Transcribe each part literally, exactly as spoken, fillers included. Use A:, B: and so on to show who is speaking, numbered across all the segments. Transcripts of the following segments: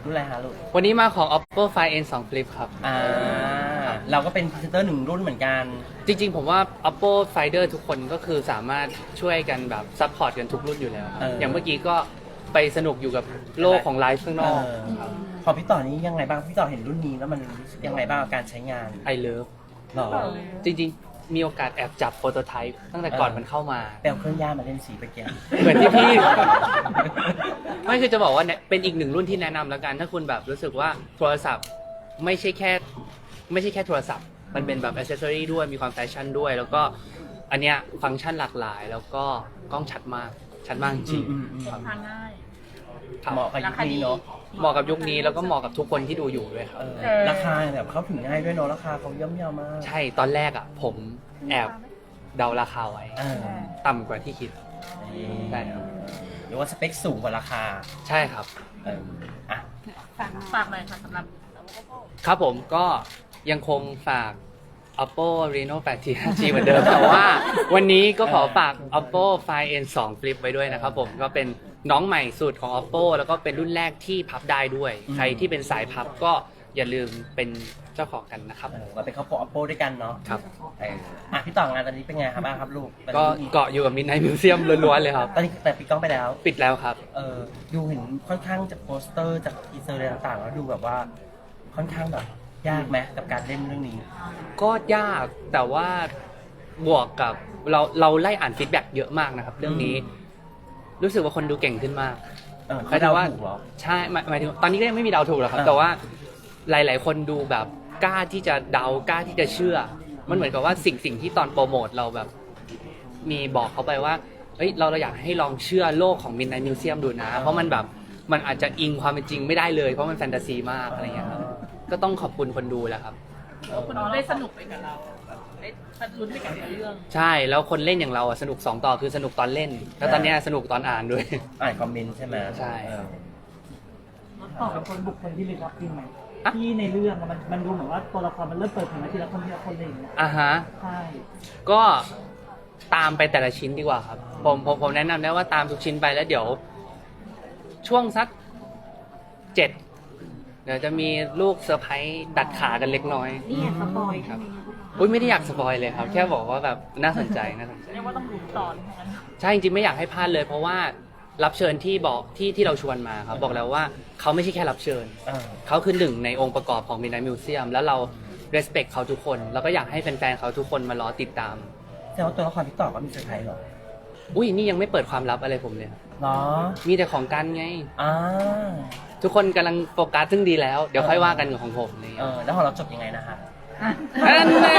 A: รุ่นอะไรฮะลูก
B: วันนี้มาของ Oppo Find เอ็น ทู Flip ครับ
A: อ่าเราก็เป็นพรีเซนเตอร์หนึ่งรุ่นเหมือนกัน
B: จริงๆผมว่า Oppo Finder ทุกคนก็คือสามารถช่วยกันแบบซัพพอร์ตกันทุกรุ่นอยู่แล้ว
A: เออ
B: อย่างเมื่อกี้ก็ไปสนุกอยู่กับโลกของไลฟ์ข้างนอก
A: เออพอพี่ต่อนี้ยังไงบ้างพี่ต่อเห็นรุ่นนี้แล้วมันรู้สึกยังไงบ้างกับการใช้งาน
B: I love
A: หรอ
B: จริงๆ มีโอกาสแอบจับโปรโตไทป์ตั้งแต่ก่อนมันเข้ามา
A: แปลเครื่องย่ามาเล่นสีไปแกน
B: เหมือนที่พี่ ไม่คือจะบอกว่าเนี่ยเป็นอีกหนึ่งรุ่นที่แนะนำแล้วกัน ถ้าคุณแบบรู้สึกว่าโทรศัพท์ไม่ใช่แค่ไม่ใช่แค่โทรศัพท์ มันเป็นแบบอ c เซสซอรีด้วยมีความแฟชั่นด้วย แล้วก็อันเนี้ยฟังก์ชันหลากหลาย แล้วก็กล้องชัดมากชัดมากจริง
A: อืมอืม
C: ทานง่าย
B: ครับ
A: เหมาะกับยุคนี้เนาะ
B: เหมาะกับยุคนี้แล้วก็เหมาะกับทุกคนที่ดูอยู่ด้วยครับ
A: เออราคาแบบเข้าถึงง่ายด้วยเนาะราคาเขาย่อมเยาวมาก
B: ใช่ตอนแรกอ่ะ ผมแอบเดาราคาไว้
A: เออ
B: ต่ำกว่าที่คิด ใช่ครับ
A: หรือว่าสเปคสูงกว่าราคา
B: ใช่ครับ
A: เอออ่ะ
C: ฝากฝากหน่อยค่ะสำหรับ
B: ครับผมก็ยังคงฝาก Oppo Reno แปด ที ห้าจี เหมือนเดิม แต่ว่าวันนี้ก็ขอฝาก Oppo Find เอ็น ทู Flip ไว้ด้วยนะครับผมก็เป็นน้องใหม่สุดของ Oppo แล้วก็เป็นรุ่นแรกที่พับได้ด้วย
A: อืม
B: ใครที่เป็นสายพับก็อย่าลืมเป็นเจ้าของกันนะครับ
A: เออมาเป็นครอบครัว Oppo ด้วยกันเนาะ
B: ครับ
A: เอออ่ะพี่ต่องานตอนนี้เป็นไงครับบ้างครับลูกตอน
B: ก็
A: นี้
B: เกาะอยู่กับ Midnight Museum ล้วนๆเลยครับ
A: ตอนนี้แต่ปิดกล้องไปแล้ว
B: ปิดแล้วครับ
A: เออดูเห็นค่อนข้างจากโปสเตอร์จากทีเซอร์อะไรต่างๆแล้วดูแบบว่าค่อนข้างแบบยากไหมกับการเล่นเรื่องนี้
B: ก็ยากแต่ว่าบวกกับเราเราไล่อ่านฟีดแบ็กเยอะมากนะครับ เรื่องนี้ รู้สึกว่าคนดูเก่งขึ้นมาก
A: เออเขาเดาถูกเหรอ
B: ใช่หมายหมายถึงตอนนี้ก็ยังไม่มีเดาถูกหรอกครับ
A: อ่า
B: แต่ว่าหลาย ๆ คนดูแบบกล้าที่จะเดากล้าที่จะเชื่อ มันเหมือนกับว่าสิ่งสิ่งที่ตอนโปรโมทเราแบบ มีบอกเขาไปว่าเฮ้ยเราเราอยากให้ลองเชื่อโลกของ Midnight Museum ดูนะ เพราะมันแบบมันอาจจะอิงความเป็นจริงไม่ได้เลยเพราะมันแฟนตาซีมากอะไรเงี้ยครับก็ต้องขอบคุณคนดูแหละครับ
C: คุณได้สนุกไปกับเราแบบได้ลุ้นไปกับเรื่อง
B: ใช่แล้วคนเล่นอย่างเราอะสนุกสองต่อคือสนุกตอนเล่น แล้วตอนเนี้ยสนุกตอนอ่านด้วย
A: อ่านคอมเมนต์ใช่ไหม
B: ใช่
A: เออ
D: ต่อกับคนบุคคลที่ลึกลับจริงไหม
B: อะ
D: ที่ในเรื่องอะมันมันดูเหมือนว่าตัวละครมันเริ่มเปิดเผยมาทีละคนทีละคนอะไรอย่างเงี้ย
B: อ่ะฮะ
D: ใช่
B: ก็ตามไปแต่ละชิ้นดีกว่าครับ ผมผมผมแนะนำได้ว่าตามทุกชิ้นไปแล้วเดี๋ยว ช่วงสักเจ็ดเดี๋ยวจะมีลูกเซอร์ไพรส์ดัดขากันเล็กน้อย
E: นี่สปอย
B: ครับอุ้ยไม่ได้อยากสปอยเลยครับ แค่บอกว่าแบบน่าสนใจน่าสนใจ
C: เรียกว่าต้องลุ้นตอนทั้งนั้น
B: ใช่จริงๆไม่อยากให้พลาดเลย เพราะว่ารับเชิญที่บอกที่ที่เราชวนมาครับบอกแล้วว่าเขาไม่ใช่แค่รับเชิญ
A: เออ
B: เขาคือหนึ่งในองค์ประกอบของ Midnight Museum แล้วเรา respect เขาทุกคน แล้วก็อยากให้แฟนๆเขาทุกคนมารอติดตาม
A: แต่ว่าตัวละครพี่ต่อก็มีเซอร์ไพรส์เหรอ
B: อุ้ยนี่ยังไม่เปิดความลับอะไรผมเลยครับ
A: เนาะ
B: มีแต่ของกันไง
A: อ่า
B: ทุกคนกำลังโฟกัสซึ่งดีแล้ว เดี๋ยวค่อยว่ากันกับของผมอะไร
A: เอ
B: เงี้ย
A: อแล้วของเราจบยังไงนะฮะ
B: นั่นแน่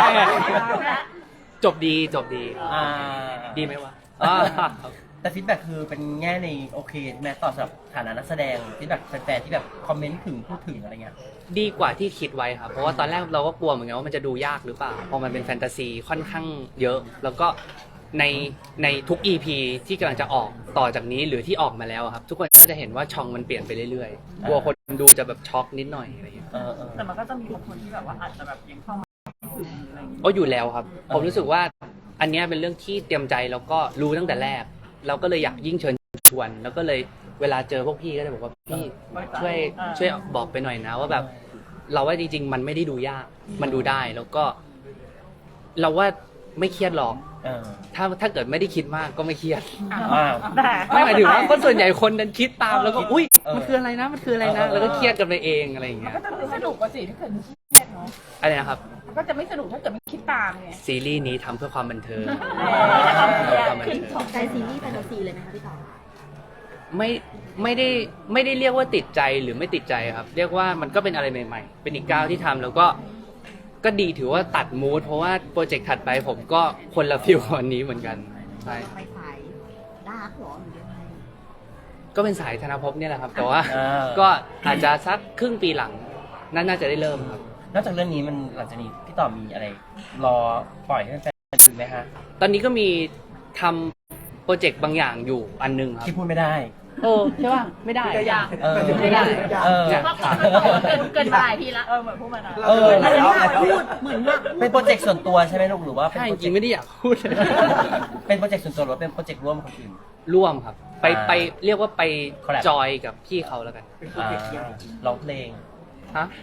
B: จบดีจบดี
A: อ่า
B: ดีไหมวะอ่า
A: แต่ฟีดแบ็กคือเป็นแง่ในโอเคใช่ไหมต่อสำหรับฐานะนักแสดงฟีดแบ็กแฟนๆที่แบบคอมเมนต์ถึงพูดถึงอะไรเงี้ย
B: ดีกว่าที่คิดไว้ครับ เพราะว่าตอนแรกเราก็กลัวเหมือนกันว่ามันจะดูยากหรือเปล่าเพราะมันเป็นแฟนตาซีค่อนข้างเยอะ แล้วก็ในในทุก อี พี ที่กำลังจะออกต่อจากนี้หรือที่ออกมาแล้วครับ ทุกคนก็จะเห็นว่าช่องมันเปลี่ยนไปเรื่อยๆกลัวคนดูจะแบบช็อกนิดหน่อยอะไรอย่างเงี้ย
A: เออเออ
C: แต่มันก็จะมีบางคนที่แบบว่าอาจจะแบบยังเข้ามาอะไรอย่างเงี้ย
B: โอ้อยู่แล้วครับ ผมรู้สึกว่าอันเนี้ยเป็นเรื่องที่เตรียมใจแล้วก็รู้ตั้งแต่แรก เราก็เลยอยากยิ่งเชิญชวน แล้วก็เลยเวลาเจอพวกพี่ก็จะบอกว่าพี่ช่วยช่วยบอกไปหน่อยนะ ว่าแบบเราว่าจริงๆ มันไม่ได้ดูยาก มันดูได้แล้วก็ เราว่าไม่เครียดหรอก
A: เออ
B: ถ้าถ้าเกิดไม่ได้คิดมากก็ไม่เครียด
A: อ้าว
C: แต่
B: ไม่หมายถึงว่าคนส่วนใหญ่คนนั้นคิดตามแล้วก็อุ้ย
A: เออ
B: มันคืออะไรนะมันคืออะไรนะ
A: เออ
B: แล้วก็เครียดกันไปเองอะไรอย่าง
C: มัน
B: เงี้ย
C: ก็จะไม่สนุกกว่าสิถ้าเกิดไม่เครียดเนาะ
B: อะไรนะครับ
C: มันก็จะไม่สนุกถ้าเกิดไม่คิดตามไง
B: ซีรีส์นี้ทำเพื่อความบันเทิง
C: เออแล้วความเครียด
B: ความบันเทิง
E: ของใจซีรีส์แฟนตาซีเลยไหมคะพี่ต่อ
B: ไม่ไม่ได้ไม่ได้เรียกว่าติดใจหรือไม่ติดใจครับ เรียกว่ามันก็เป็นอะไรใหม่ๆ เป็นอีกก้าวที่ทำแล้วก็ก็ดีถือว่าตัดมูดเพราะว่าโปรเจกต์ถัดไปผมก็คนละฟิลกับวันนี้เหมือนกันใช่
E: ไปสายดาร์กหรอหรือยังไง
B: ก็เป็นสายธนภพเนี่ยแหละครับ แต่ว่า
A: เออ
B: ก็อาจจะสักครึ่งปีหลังน่าน่าจะได้เริ่มครับ
A: นอกจากเรื่องนี้มันหลังจากนี้พี่ต่อมีอะไร รอปล่อยให้แฟนๆดูไหมฮะ
B: ตอนนี้ก็มีทำโปรเจกต์บางอย่างอยู่อันหนึงครับ
A: ที่พูดไม่ได้
B: โอ้ใช่ป่ะไม่ได้
C: ตัวอย่าง
A: เออ
B: ไม่ได้
A: เออ
B: เนี่ย
C: เพราะเขาบอกว่าเกินเกินมาหลายทีละเออเหมือนพูดมานะ
A: เออ
E: เหมือนอยากพูดเหมือนอยากพูด
A: เป็นโปรเจกต์ส่วนตัวใช่ไหมลูกหรือว่าเป็น
B: ใช่
A: โป
B: จ
A: รเจ
B: ริ
A: ก
B: ง
A: ต์
B: ๆไม่ได้อยากพูดเลย
A: เป็นโปรเจกต์ส่วนตัวหรือว่าเป็นโปรเจกต์ร่วมกับคนอื่น
B: ร่วมครับ ไป
A: อ่า
B: ไปเรียกว่าไป
A: Collab
B: จอยกับพี่เขาแล้วกัน
A: อ่าร้องเพลง
B: ฮะ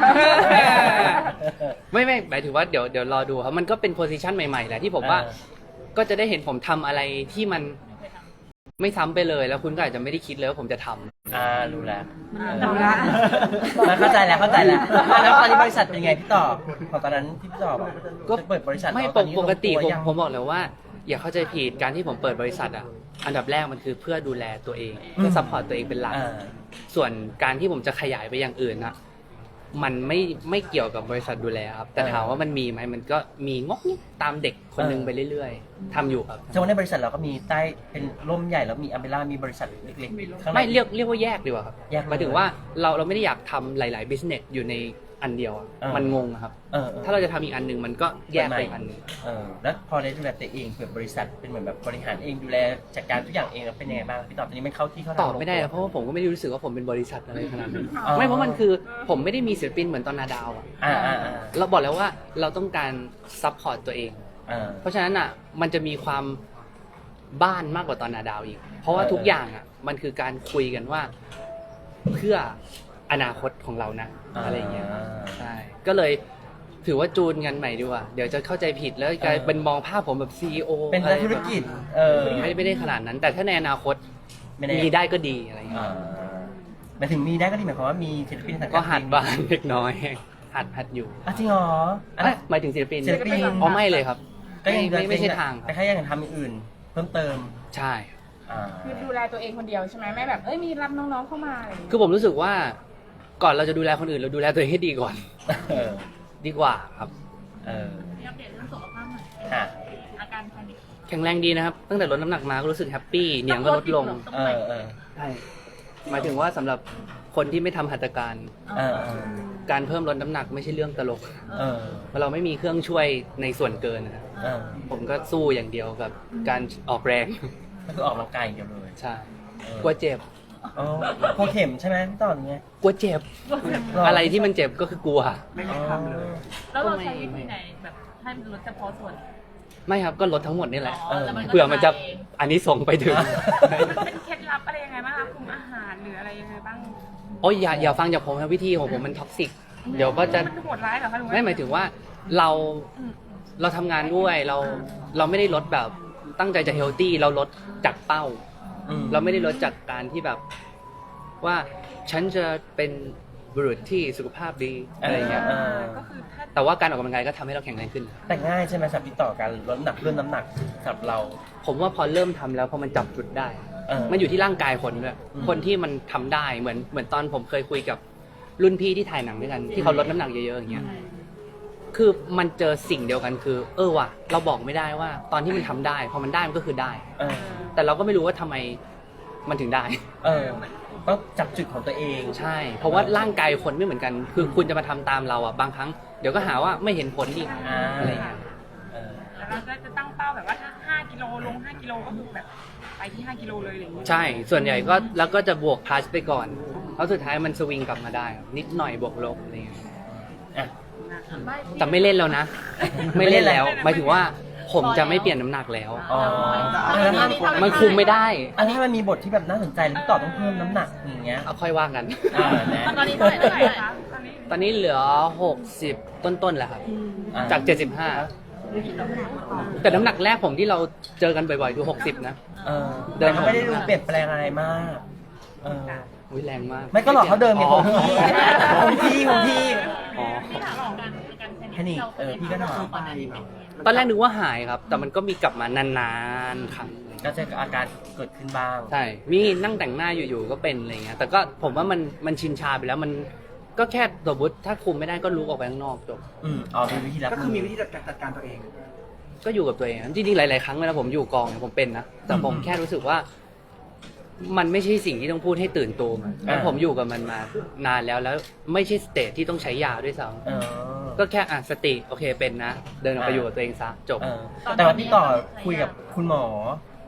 B: ไม่ไม่หมายถึงว่าเดี๋ยวเดี๋ยวรอดูครับมันก็เป็นโพสิชันใหม่ๆแหละที่ผมว่า
A: เออ
B: ก็จะได้เห็นผมทำอะไรที่มันไม่ซ้ำไปเลยแล้วคุณก็อาจจะไม่ได้คิดเลยว่าผมจะทำ
A: อ่ารู้แล้ว
E: เอาละ
A: มาเข้าใจแล้วเข้าใจแล้วอ่ะแล้วตอนนี้บริษัทเป็นไงพี่ต่อของตอนนั้นที่พี่ต่อบอก
B: ก็
A: จะเปิดบริษัท
B: ไม่
A: แล้ว
B: ป
A: ตอก นนี้
B: ปกติ
A: ลง
B: ผม
A: วยัง
B: ผมบอกเลยว่า อย่าเข้าใจผิดการที่ผมเปิดบริษัทอ่ะอันดับแรกมันคือเพื่อดูแลตัวเองเพื่อซัพพอร์ตตัวเองเป็นหลัก
A: อ่า
B: ส่วนการที่ผมจะขยายไปอย่างอื่นนะมันไม่ไม่เกี่ยวกับบริษัทดูแลครับ แต่
A: เออ
B: ถามว่ามันมีไหมมันก็มีงอกงิกตามเด็กคนหนึง
A: เออ
B: ไปเรื่อยๆทำอยู่ครับ
A: แสดงว่าในบริษัทเราก็มีใต้เป็นร่มใหญ่แล้วมีอัมเบร่ามีบริษัทเล็กๆข้างใน
B: ไม่เรียกเรียกว่าแยกดีกว่าครับ
A: แยกเลย
B: หมายถึงว่าเราเราไม่ได้อยากทำหลาย ๆ บิสเนสอยู่ในอันเดียวอะ
A: เออ
B: มันงงอะครับ
A: เออเออ
B: ถ้าเราจะทำอีกอันหนึ่งมันก็แยกไปอีกอันหนึ่ง
A: เออแล้วพอได้ดูแลตัวเองเปิดบริษัทเป็นเหมือนแบบบริหารเองดูแลจัดการทุกอย่างเองแล้วเป็นยังไงบ้างพี่ต่อตอนนี้มันเข้าที่เข้าทาง
B: ตอบไม่ได้
A: ล
B: นะ
A: ง
B: เพ
A: ตัว
B: ราะว่าผมก็ไม่ได้รู้สึกว่าผมเป็นบริษัทอะไรขนาดนั้น
A: อ๋อ
B: ไม่เพราะมันคือผมไม่ได้มีศิลปินเหมือนตอนนาดาวอะ
A: อ่าอ่าอ่า
B: เราบอกแล้วว่าเราต้องการซัพพอร์ตตัวเอง
A: อ่า
B: เพราะฉะนั้นอ่ะมันจะมีความบ้านมากกว่าตอนนาดาวอีก เพราะว่า
A: เออ
B: ทุกอย่างอ่ะมันคือการคุยกันว่าเพื่ออนาคตของเรานะอะไรอย่างเงี้ยใช่ก็เลยถือว่าจูนกันใหม่ดีกว่าเดี๋ยวจะเข้าใจผิดแล้วกลายเป็นมองภาพผมแบบซีอีโอ
A: เป็นนักธุรกิจเออ
B: ไม่ไม่ได้ขนาดนั้น แต่ถ้าในอนาคต
A: ไม่แน่
B: มีได้ก็ดีอะไรอย่างเงี้ย
A: อ่าหมายถึงมีได้ก็ดีหมายความว่ามีศิลปินสังกัด
B: ก็หัดบ้างเล็กน้อยหัดหัดอยู่
A: อ่ะจริงเหรออัน
B: เอ้
A: นั้
B: ย
A: น
B: หมายถึงศิลปิน
A: ศิลปิน
B: อ๋อไม่เลยครับ
A: ก็ยัง
B: ไม่ไม่ใช่ทางค
A: แต่
B: รับ
A: แค่ยังทำอย่างอื่น เพิ่มเติม
B: ใช่
A: อ่า
C: คือดูแลตัวเองคนเดียวใช่ไหมไม่แบบเอ้ยมีรับน้องๆเข้ามาอะไรอย่างเงี้ย
B: คือผมรู้สึกว่าก่อนเราจะดูแลคนอื่นเราดูแลตัวเองให้ดีก่อน
A: เออ
B: ดีกว่าครับ
A: เออ
C: อัปเดตเรื่องสุขภาพหน่อย
A: ค่ะ
C: อาการแพนิค
B: แข็งแรงดีนะครับ ตั้งแต่ลดน้ำหนักมาก็รู้สึกแฮปปี้เหนียงก็ลดลง
A: เออเออ
B: ใช่หมายถึงว่าสำหรับคนที่ไม่ทำหัตถการ
A: เออเออ
B: การเพิ่มลดน้ำหนักไม่ใช่เรื่องตลก
A: เออ
B: เพราะเราไม่มีเครื่องช่วยในส่วนเกินนะครับ
A: เออ
B: ผมก็สู้อย่างเดียวกับการออกแรง
A: ก็คือออกกำลังกายอย่างเดียวเลย
B: ใช่
A: เออก
B: ลัวเจ็บ
A: อ๋อพอเข็มใช่ไหมพี่ต่ออย่างเงี้ย
B: กลัวเจ็บ อะไรที่มันเจ็บก็คือกลัว
A: ไม่ได้ทำเลย
C: แล้วเราใช้วิธีไหนแบบให้มันลดเฉพาะส่วน
B: ไม่ครับก็ลดทั้งหมดนี่แหละ
C: อ๋อแล้วมันก็
B: เผื่อมันจะ
C: มาเอง
B: อันนี้ส่งไปถึง
C: เป็นเคล็ดลับอะไรยังไงบ้างคะคุมอาหารหรืออะไรยังไงบ้าง
B: โอ้ยอย่าอย่าฟังจากผมนะวิธีของผมมันท็อกซิก เดี๋ยวก็จะ
C: มันโหดร้ายเหรอคะหรือว่า
B: ไม่หมายถึงว่าเรา
C: อืม
B: เราทำงานด้วยเราเราไม่ได้ลดแบบตั้งใจจะเฮลตี้เราลดจากเป้า
A: อืม
B: เราไม่ได้ลดจากการที่แบบว่าฉันจะเป็นบุรุษที่สุขภาพดีอะไรอย่างเงี้ย
A: เออ
C: ก็คือถ้า
B: แต่ว่าการออกกำลังกายก็ทำให้เราแข็งแรงขึ้น
A: แต่ง่ายใช่ไหมสำหรับพี่ต่อการลดน้ำหนักเพิ่มน้ำหนักสำหรับเรา
B: ผมว่าพอเริ่มทำแล้วพอมันจับจุดได้
A: เออ
B: มันอยู่ที่ร่างกายคนด้วย
A: อืม
B: คนที่มันทำได้เหมือนเหมือนตอนผมเคยคุยกับรุ่นพี่ที่ถ่ายหนังด้วยกัน ที่เขาลดน้ำหนักเยอะๆอย่างเงี้ย คือมันเจอสิ่งเดียวกันคือ เออว่ะเราบอกไม่ได้ว่า ตอนที่มันทำได้พอมันได้มันก็คือได้
A: เออ
B: แต่เราก็ไม่รู้ว่าทำไมมันถึงได้
A: เออต้องจับจุดของตัวเอง
B: ใช่ เพราะว่าร่างกายคนไม่เหมือนกัน คือคุณจะมาทำตามเราอ่ะบางครั้งเดี๋ยวก็หาว่าไม่เห็นผลอีก
A: อ่า
B: อะไรอย่างเงี้ย
A: เออ
C: แล้วเราก็จะตั้งเป้าแบบว่าถ้าห้ากิโลลงห้ากิโลก็คือแบบไปที่ห้ากิโลเลยอะไรอย่างเงี้ย
B: ใช่ ส่วนใหญ่ก็แล้วก็จะบวกพลัสไปก่อนแล้วสุดท้ายมันสวิงกลับมาได้ครับนิดหน่อยบวกลบอะไรอย่างเงี้ย
A: อ่ะ
B: แต่ไม่เล่นแล้วนะ ไม่เล่นแล้วหมายถึงว่าผมจะไม่เปลี่ยนน้ำหนักแล้ว
A: อ๋อ
B: มันคุมไม่ได้
A: อันนี้มันมีบทที่แบบน่าสนใจแล้วพี่ต่อต้องเพิ่มน้ำหนักอย่างเงี้ย
B: เอาค่อยว่ากัน
A: อ่าแน่
C: ตอนนี้เท่าไหร่เท่าไหร่คะตอนนี้
B: ตอนนี้เหลือหกสิบต้นๆแหละครับ
A: อ่
B: จากเจ็ดสิบห้าแต่น้ำหนักแรกผมที่เราเจอกันบ่อยๆคือหกสิบนะ
A: เออ
B: เดิ
A: แต่
B: น
A: ก็ไม่ได้ดูเปลี่ยนแปลงอะไรมาก เออ
B: อุ้ยแรงมาก
A: ไม่ก็หลอกเขาเดิมไง
B: อ๋
A: ข
B: อ
A: องพี่ของพี่ของพี่
B: อ๋อ
C: ที่ถามของการการ
A: แค่นี้เออพี่ก็ถาม
B: ตอนแรกนึกว่าหายครับ แต่มันก็มีกลับมานานๆครั้ง
A: ก็จะอาการเกิดขึ้นบ้าง
B: ใช่ มีนั่งแต่งหน้าอยู่ๆก็เป็นอะไรเงี้ย แต่ก็ผมว่ามันมันชินชาไปแล้วมันก็แค่สมมติถ้าคุมไม่ได้ก็ลุกออกไปข้างนอกจบ
A: อืมอ๋อมีวิธีรับ
F: ก็คือมีวิธีจัดการจัดการตัวเอง
B: ก็อยู่กับตัวเองจริงๆหลายๆครั้งเวลาผมอยู่กองเนี่ยผมเป็นนะแต่ผมแค่รู้สึกว่า มันไม่ใช่สิ่งที่ต้องพูดให้ตื่นตัวมันแล้วผมอยู่กับมันมานานแล้วแล้วไม่ใช่สเตจที่ต้องใช้ยาด้วยซ้
A: เออ
B: ำก็แค่อ่ะสติโอเคเป็นนะ เดินออกไปอยู่กับตัวเองซะจบ
A: เออแต่ว่าพี่ต่อคุยกับคุณหมอ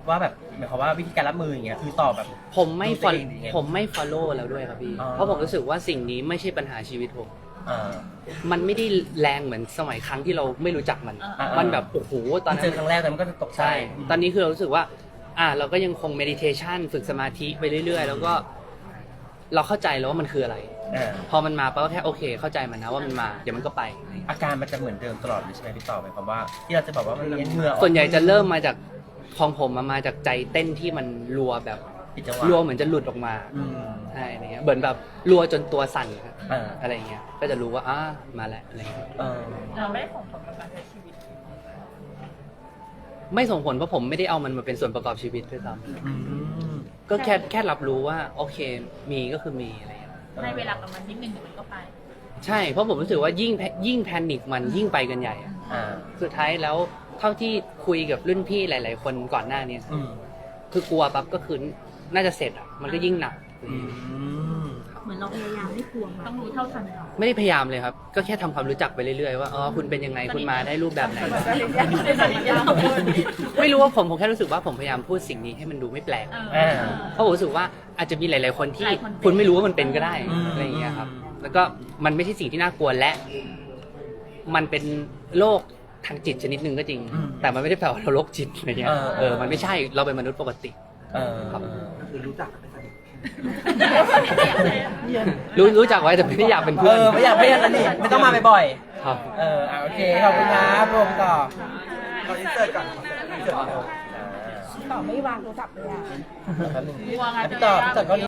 A: ว่าแบบหมายความว่าวิธีการรับมืออย่างเงี้ยคือตอบแบบ
B: ผมไม่
A: ดูตัว
B: ฟอล
A: เองยังไง
B: ผมไม่ follow แล้วด้วยครับพี่
A: อ๋อ
B: เพราะผมรู้สึกว่าสิ่งนี้ไม่ใช่ปัญหาชีวิตผม
A: อ่า
B: มันไม่ได้แรงเหมือนสมัยครั้งที่เราไม่รู้จักมัน
A: อ่ามั
B: มันแบบโอ้โหตอน
A: เจ
B: นั้
A: อน ครั้งแรกแต่มันก็จะตกใจ
B: ใช่ ตอนนี้คือเรารู้สึกว่า อ่า เราก็ยังคง meditation ฝึกสมาธิไปเรื่อยๆ แล้วก็ เราเข้าใจแล้วว่ามันคืออะไร
A: อ่า
B: พอมันมาปั๊บก็แค่โอเค เข้าใจมันนะว่ามันมา เดี๋ยวมันก็ไป
A: อาการมันจะเหมือนเดิมตลอดเลยใช่ไหมพี่ต่อหมายความว่าที่เราจะบอกว่ามันเหงื่อออก
B: ส่วนใหญ่จะเริ่มมาจากของผมมามาจากใจเต้นที่มันรัวแบบ
A: ผิดจังหวะ
B: รัวเหมือนจะหลุดออกมา
A: อืม
B: ใช่อะไรเงี้ย เหมือนแบบรัวจนตัวสั่นครับ
A: อ่า
B: อะไรเงี้ย ก็จะรู้ว่าอ่ามาแล้วอะไรเงี้ย
A: เออ
C: เราไม่ได้ส่งผลกับการใช้ชีวิต
B: ไม่ส่งผลเพราะผมไม่ได้เอามันมาเป็นส่วนประกอบชีวิตด้วยซ้
A: อืม
B: ำก็แค่แค่รับรู้ว่าโอเค มีก็คือมีอะไรเงี้ย
C: ในเวลากับมันนิดนึงเดี๋ยวมันก็ไป
B: ใช่ เพราะผมรู้สึกว่ายิ่งแพยิ่งแพนิคมันยิ่งไปกันใหญ่อะ
A: อ่า
B: สุดท้ายแล้วเท่าที่คุยกับรุ่นพี่หลาย ๆ คนก่อนหน้านี้
A: อืม
B: คือกลัวปั๊บก็คือน่าจะเสร็จอ่ะ มันก็ยิ่งหนัก
A: อืม
E: เหมือนเราพยายามไม่กลัวมา
C: ต้องรู้เท่าทัน
B: ไม่ได้พยายามเลยครับ ก็แค่ทำความรู้จักไปเรื่อย ๆ ว่าอ๋อคุณเป็นยังไงคุณมาได้รูปแบบไหน ไม่รู้ว่าผมผมแค่รู้สึกว่าผมพยายามพูดสิ่งนี้ให้มันดูไม่แปลก
A: อ่า
B: เพราะผมรู้สึกว่าอาจจะมีหลาย ๆ คนที่
C: หลายคนเป็น
B: คุณไม่รู้ว่ามันเป็นก็ได้
A: อืม
B: อะไรอย่างเงี้ยครับ แล้วก็มันไม่ใช่สิ่งที่น่ากลัวและ มันเป็นโรคทางจิตชนิดหนึ่งก็จริง
A: อืม
B: แต่มันไม่ได้แปลว่าเราโรคจิตอะไรเงี้ย
A: เออ
B: เออมันไม่ใช่เราเป็นมนุษย์ปกติ
A: เออ
B: ครับ
D: คือรู้จักกันเป็นสนิท
B: รู้รู้จักไว้แต่ไม่ได้อยากเป็น
A: เอ
B: เพื่อน
A: อไม่อยากไม่อยากสนิทไม่ต้องมาบ่อย
B: ครับ
A: ๆเอออ่ะโอเคขอบคุณครับรวมต่อ
D: เราอินเสิร์ตก่อนอินเสิร์ตก่อน
E: ต่อไม่วางโทรศัพท์เลยอ่ะ
A: แป๊บนึง
C: กลัวไง
A: พี่ต่อพี่ต่อก็